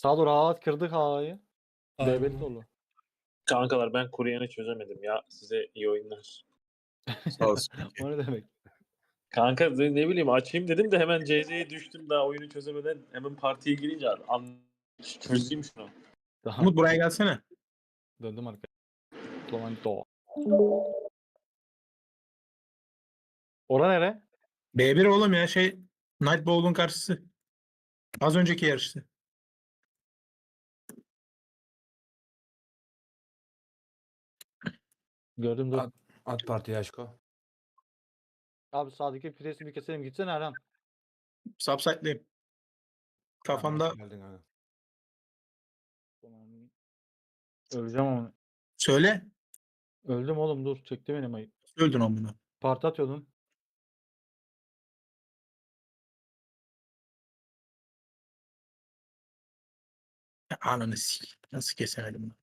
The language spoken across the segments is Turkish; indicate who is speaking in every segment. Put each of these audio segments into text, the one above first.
Speaker 1: Sağ rahat kırdık A'yı.
Speaker 2: Aynen.
Speaker 1: DB'li dolu.
Speaker 3: Kankalar ben Kuryan'ı çözemedim ya. Size iyi oyunlar.
Speaker 2: Sağ olsun.
Speaker 1: O ne demek?
Speaker 3: Kanka ne bileyim açayım dedim de hemen CZ'ye düştüm daha oyunu çözemeden hemen partiye girince çözeyim şunu.
Speaker 1: Tamam.
Speaker 2: Umut buraya gelsene.
Speaker 1: Döndüm arkaya. Flamanto. Ora nere?
Speaker 2: B1 oğlum ya Night Bowl'un karşısı. Az önceki yarıştı.
Speaker 1: Gördüm dur.
Speaker 4: At partiye aşko.
Speaker 1: Abi sağdaki presi bir keselim. Gitsene Erhan.
Speaker 2: Subsite'liyim. Kafamda
Speaker 4: Geldin abi.
Speaker 1: Öleceğim ama.
Speaker 2: söyle.
Speaker 1: Öldüm oğlum dur. Çekti beni mayı.
Speaker 2: Öldün onu.
Speaker 1: Parti atıyordun.
Speaker 2: Ananı sik. Nasıl kesemedim bunu?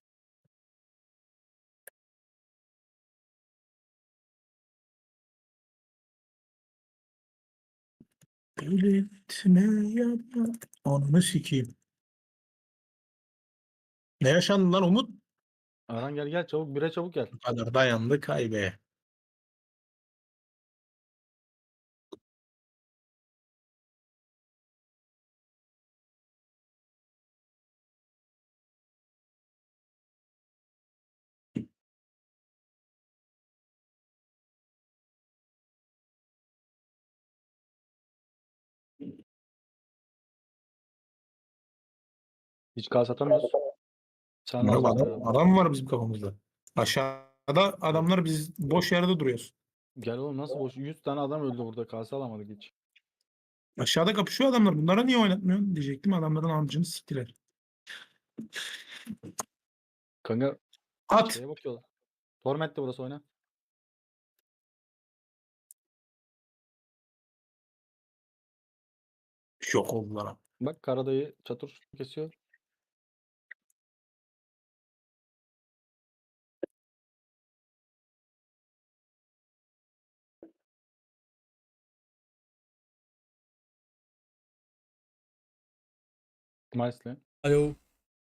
Speaker 2: Belirtme yapma. Ananı sikeyim. Ne yaşandı lan Umut?
Speaker 1: Erhan gel çabuk. Bire çabuk gel.
Speaker 2: Bu kadar dayandı kaybe.
Speaker 1: Hiç kas atamıyoruz. Sen
Speaker 2: Adam,
Speaker 1: lazım.
Speaker 2: adam var bizim kafamızda. Aşağıda adamlar biz boş yerde duruyoruz.
Speaker 1: Gel oğlum nasıl boş? 100 tane adam öldü burada. Kase alamadık hiç.
Speaker 2: Aşağıda kapışıyor adamlar. Bunlara niye oynatmıyorsun diyecektim. Adamların amcını siktiler.
Speaker 1: Kanka
Speaker 2: At.
Speaker 1: şeye bakıyorlar. Torment'te burası oyna.
Speaker 2: Yok oldular.
Speaker 1: Bak Karadayı çatır kesiyor. Nicely.
Speaker 4: Alo.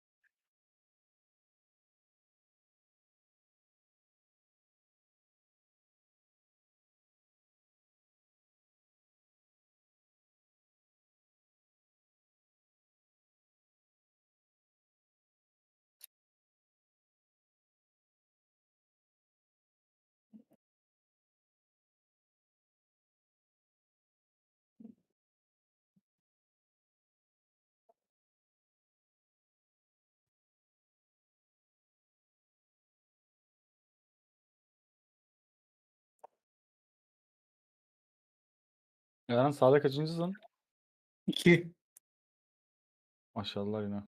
Speaker 1: Erhan sağda kaçıncısın?
Speaker 2: 2.
Speaker 1: Maşallah yine.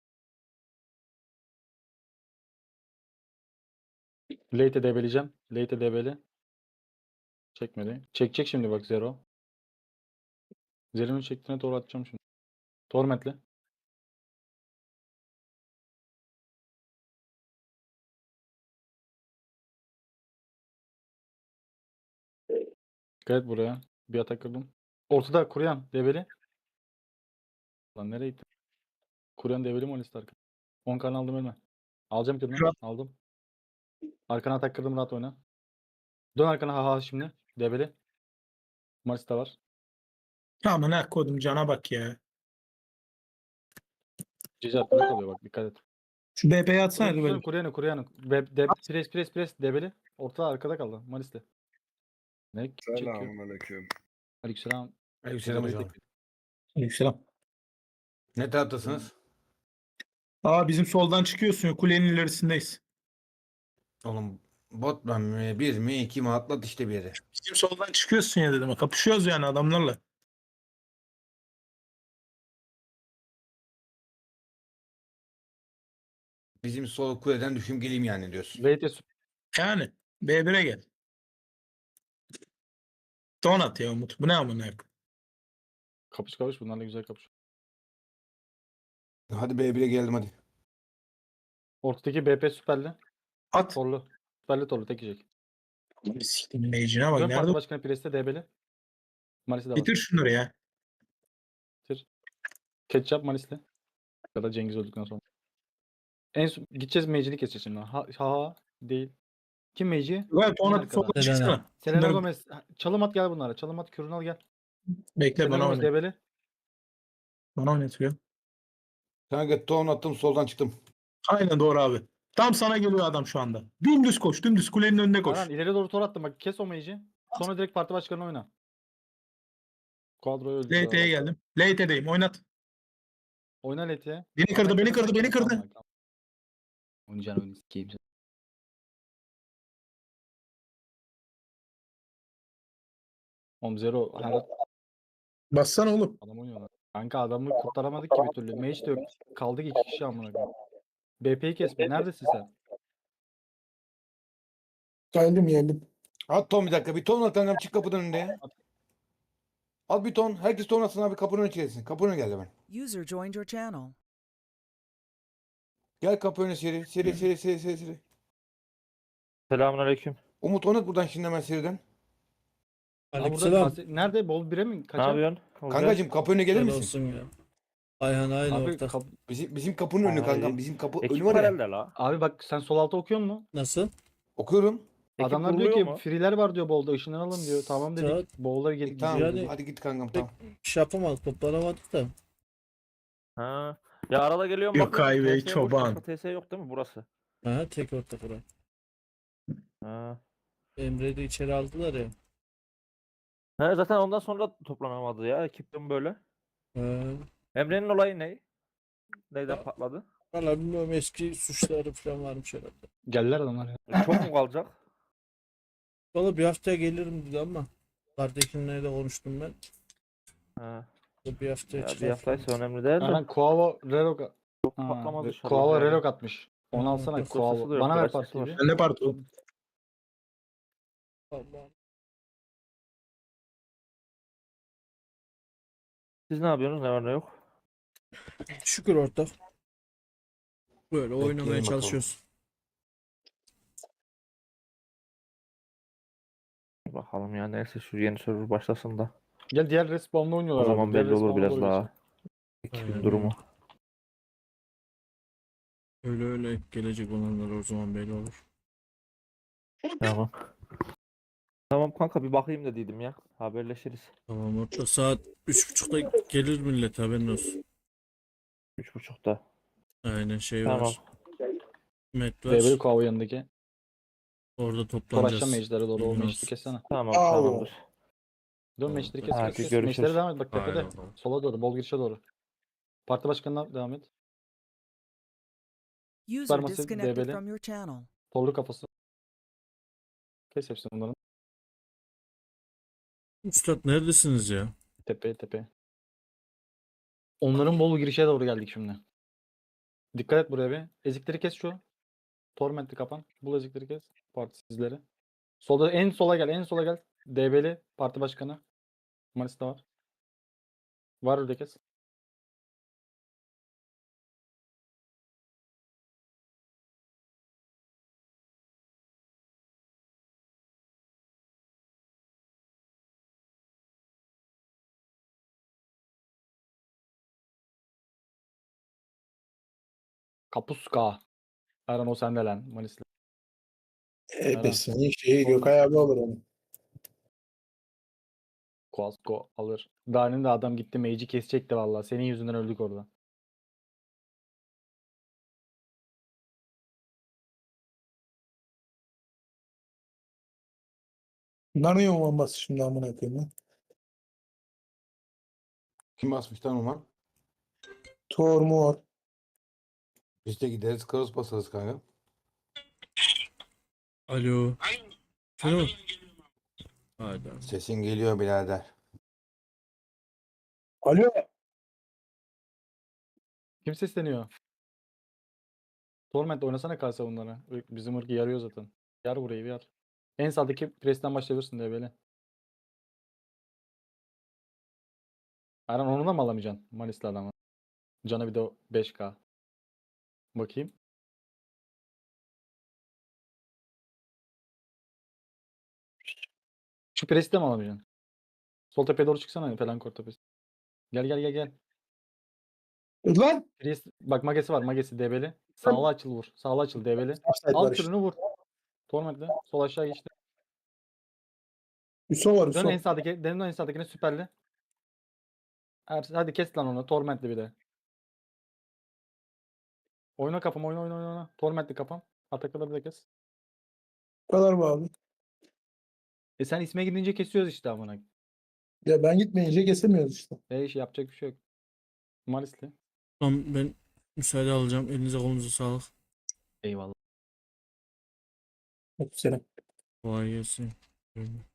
Speaker 1: Late'e debeleyeceğim. Late'e debeli. Çekmedi. Çekecek şimdi bak Zero. Zero'nun çektiğine doğru atacağım şimdi. Torment'le. Dikkat et buraya. Bir atak kırdım. Ortada Kuryan debeli. Lan nereye gitti? Kuryan debeli mi Alistar? 10 kan aldım ölme. Alacağım kırını.
Speaker 2: Kral.
Speaker 1: Aldım. Arkana atak kırdım rahat oyna. Dön arkana ha şimdi. Debeli. Maris de var.
Speaker 2: Tamam ne koydum cana bak ya.
Speaker 1: Cici arkada kalıyor bak dikkat et.
Speaker 2: Şu BP'yi atsana
Speaker 1: Tutsana
Speaker 2: böyle.
Speaker 1: Kuryan'ı. Pres debeli. Ortada arkada kaldı. Maris'te. Ne çekiyor?
Speaker 5: Selamünaleyküm.
Speaker 1: Aleykümselam.
Speaker 4: Aleykümselam hocam.
Speaker 2: Aleykümselam.
Speaker 4: Ne taraftasınız?
Speaker 2: Aa bizim soldan çıkıyorsun. Kulenin ilerisindeyiz.
Speaker 4: Oğlum botman mı? Bir mi? İki mi? Atlat işte bir yere.
Speaker 2: Bizim soldan çıkıyorsun ya dedim. Kapışıyoruz yani adamlarla.
Speaker 4: Bizim sol kuleden düşüm geleyim yani diyorsun.
Speaker 1: Late'e
Speaker 2: Yani B1'e gel. Donat ya Umut. Bu ne amına koyayım?
Speaker 1: kapış bunlarla güzel kapış.
Speaker 4: Hadi B1'e geldim hadi.
Speaker 1: Ortadaki BP süperli.
Speaker 2: At.
Speaker 1: Torlu. Süperli torlu tek yiyecek.
Speaker 2: Siktim mage'ine bak.
Speaker 1: Dön
Speaker 2: Nerede?
Speaker 1: parti başkanı Priest'e DB'li. Maris'i de var.
Speaker 2: Bitir şunları ya.
Speaker 1: Bitir. Ketchup Maris'le. Ya da Cengiz öldükten sonra. En son gideceğiz Mage'ini keseceğiz şimdi. Ha değil. Kim Mage'i?
Speaker 2: Gayet
Speaker 1: En
Speaker 2: ona
Speaker 1: arkada.
Speaker 2: soldan çıksana.
Speaker 1: Selena
Speaker 2: Bunları
Speaker 1: Gomez. Çalım at gel bunlara. Çalım at kürünü al gel.
Speaker 2: bekle
Speaker 1: Selena
Speaker 2: bana
Speaker 1: Gomez
Speaker 2: oynat.
Speaker 1: debeli.
Speaker 2: Bana oynatıyor.
Speaker 4: Kanka ton attım soldan çıktım.
Speaker 2: Aynen doğru abi. Tam sana geliyor adam şu anda. Dümdüz koş. Dümdüz kulenin önüne koş.
Speaker 1: Aran ileri doğru tor attım bak kes o Mage'i. Sonra direkt parti başkanına oyna. Quadro'yu öldürdü.
Speaker 2: LT'ye geldim. LT'deyim. Oynat.
Speaker 1: Oyna Leti'ye.
Speaker 2: Beni kırdı, beni kırdı, beni kırdı.
Speaker 1: Oynayacağını oyunu sikeyim sen. Oğlum Zero her
Speaker 2: Bassana oğlum.
Speaker 1: adam oynuyor lan. Kanka adamı kurtaramadık ki bir türlü. Mage de yok. Kaldık 2 kişi amına koyayım. BP'yi kesme. Neredesin sen?
Speaker 2: Geldim.
Speaker 4: At ton bir dakika. Bir ton at kankam çık kapıdan önünde ya. Al bir ton. Herkes ton atsın abi kapının önüne çekilsin. Kapının önüne gel hemen.
Speaker 5: User joined your channel.
Speaker 4: Gel kapı önüne seri. Seri.
Speaker 6: Selamünaleyküm.
Speaker 4: Umut onu at buradan şimdi hemen seriden.
Speaker 1: Aa, burada
Speaker 7: Aleykümselam.
Speaker 1: nerede? Bol 1'e mi?
Speaker 6: Ne
Speaker 1: Kaça?
Speaker 6: yapıyorsun? Olcay?
Speaker 4: Kankacığım kapı önüne gelir
Speaker 7: Helal
Speaker 4: misin?
Speaker 7: olsun ya. Ayhan aynı
Speaker 1: Abi,
Speaker 7: ortak.
Speaker 4: Bizim kapının önü
Speaker 6: Aa,
Speaker 4: kankam.
Speaker 6: iyi.
Speaker 4: Bizim kapı önü
Speaker 6: Ekip
Speaker 4: var
Speaker 6: var
Speaker 4: ya.
Speaker 6: elde la.
Speaker 1: abi bak sen sol alta okuyor musun?
Speaker 7: Nasıl?
Speaker 4: Okuyorum.
Speaker 6: Ekip
Speaker 1: Adamlar diyor
Speaker 6: kuruluyor
Speaker 1: ki
Speaker 6: mu?
Speaker 1: free'ler var diyor Bol'da ışınlanalım diyor. Tamam dedik.
Speaker 7: Saat-
Speaker 1: Bol'lar gelip
Speaker 4: Tamam
Speaker 7: Yani-
Speaker 4: hadi git kankam tamam.
Speaker 7: Şey yapamadık, toplanamadık da.
Speaker 6: Ha. Ya arada geliyorum
Speaker 2: Yok
Speaker 6: bakıyorum,
Speaker 2: ay be,
Speaker 6: TS boş,
Speaker 2: çoban.
Speaker 6: başka TS yok değil mi burası?
Speaker 7: Ha, tek ortak oraya.
Speaker 6: Ha.
Speaker 7: Emre'yi de içeri aldılar ya.
Speaker 6: Ha, zaten ondan sonra toplanamadı ya ekipten böyle.
Speaker 7: Ha.
Speaker 6: Emre'nin olayı ne? Neyden patladı?
Speaker 7: Valla bilmiyorum, eski suçları falan varmış herhalde.
Speaker 1: Geldiler adamlar ya.
Speaker 6: Çok mu kalacak?
Speaker 7: Valla bir haftaya gelirim dedi ama. Kardeşimle de konuştum ben.
Speaker 6: Ha.
Speaker 7: O bir haftaya
Speaker 6: Ya bir
Speaker 7: çıkar.
Speaker 6: haftaysa önemli değil de.
Speaker 1: Aynen Kuavo Relok
Speaker 6: Çok patlamaz inşallah.
Speaker 1: Kuavo
Speaker 6: yani.
Speaker 1: Relok atmış. Onu
Speaker 7: Hı,
Speaker 1: alsana
Speaker 7: yok,
Speaker 1: Kuavo.
Speaker 6: sesi de yok,
Speaker 1: Bana ver
Speaker 6: biraz sesi
Speaker 1: partiyi
Speaker 6: var.
Speaker 1: bir.
Speaker 2: Ben ne part oğlum?
Speaker 7: Allah.
Speaker 6: Siz ne yapıyorsunuz? Ne var ne yok?
Speaker 7: Şükür ortak. Böyle
Speaker 4: Bekleyelim
Speaker 7: oynamaya
Speaker 4: bakalım.
Speaker 7: çalışıyoruz.
Speaker 6: Bakalım ya neyse şu yeni server başlasın da.
Speaker 1: Gel diğer respawn'da oynuyorlar.
Speaker 6: O zaman
Speaker 1: abi. Diğer
Speaker 6: belli olur
Speaker 1: respawn'a
Speaker 6: biraz
Speaker 1: doğru
Speaker 6: daha.
Speaker 1: geçelim.
Speaker 6: Ekibin
Speaker 7: Aynen
Speaker 6: durumu.
Speaker 7: Öyle gelecek olanlar o zaman belli olur.
Speaker 6: Tamam. Tamam kanka bir bakayım dediydim ya. Haberleşiriz.
Speaker 7: Tamam ortak, saat 3.30'da gelir millet, haberin olsun.
Speaker 6: 3.30'da.
Speaker 7: Aynen şey
Speaker 6: Tamam.
Speaker 7: var. Met var.
Speaker 1: Develi Kuavo yanındaki.
Speaker 7: Orada
Speaker 1: Toraşla
Speaker 7: toplanacağız.
Speaker 1: mage'lere doğru. O
Speaker 7: Bilgin
Speaker 1: mage'li
Speaker 7: olsun.
Speaker 1: kessene.
Speaker 6: Tamam
Speaker 2: Au.
Speaker 6: tamamdır.
Speaker 1: Dön
Speaker 7: Tamam,
Speaker 1: mage'leri
Speaker 7: hadi.
Speaker 6: Hadi
Speaker 1: kes.
Speaker 6: görüşürüz.
Speaker 1: Mage'lere devam et. Bak
Speaker 7: Haydi
Speaker 1: tepede.
Speaker 7: bakalım.
Speaker 1: Sola doğru. Bol girişe doğru. Parti başkanına devam et.
Speaker 5: User
Speaker 1: Supermassive
Speaker 5: disconnected
Speaker 1: debeli.
Speaker 5: from your channel.
Speaker 1: Torlu kafası. Kes hepsini bunların.
Speaker 7: Üstad neredesiniz ya?
Speaker 1: Tepeye. Onların bol girişe doğru geldik şimdi. Dikkat et buraya bir. Ezikleri kes şu. Torment'i kapan. Bul ezikleri kes. Partisizleri. Solda en sola gel. En sola gel. DB'li parti başkanı. Manis'te var. Var öyle kes. Kapuska. Erhan o sende lan. Manis'le. Aynen.
Speaker 2: Senin şeyi Gökay abi alır onu.
Speaker 1: Koasko alır. Danin de adam gitti mage'i kesecekti vallahi. Senin yüzünden öldük orada.
Speaker 2: Bunlar niye bombası şimdi amına koyayım lan?
Speaker 4: Kim basmış lan Umar?
Speaker 2: Tor mu var?
Speaker 4: Biz de gideriz kaos basarız kanka.
Speaker 7: Alo. Şunu. Haydi.
Speaker 4: Sesin geliyor birader.
Speaker 2: Alo.
Speaker 1: Kim sesleniyor? Torment oynasana kalsa bunlara. Bizim ırkı yarıyor zaten. Yar burayı bir yar. En sağdaki presten başlayabilirsin diye böyle. Erhan onu da mı alamayacaksın? Manis'li adamı. Canı bir de 5k. Bakayım. Şu presi de mi alamayacaksın? Sol tepeye doğru çıksana. Felankor tepesi. Gel.
Speaker 4: Lan.
Speaker 1: Priest bak magesi var. Magesi DB'li. Sağlı açıl vur. Sağlı açıl DB'li.
Speaker 5: Offside var
Speaker 1: Alt
Speaker 5: işte.
Speaker 1: türünü vur. Torment'le. Sol aşağı geçti.
Speaker 5: Üso var
Speaker 1: Dön
Speaker 5: Üso.
Speaker 1: en sağdaki. Dön en sağdakine süperli. Hadi kes lan onu. Torment'li bir de. Oyna kafam. Oyna. Torment'li kafam. Atakları da kes.
Speaker 5: Bu kadar mı abi?
Speaker 1: Sen isme gidince kesiyoruz işte amına.
Speaker 5: Ya ben gitmeyince kesemiyoruz işte.
Speaker 1: İş yapacak bir şey yok. Malisli.
Speaker 7: Tamam ben müsaade alacağım. Elinize kolunuza sağlık.
Speaker 1: Eyvallah.
Speaker 5: Hadi selam.
Speaker 7: Kolay gelsin.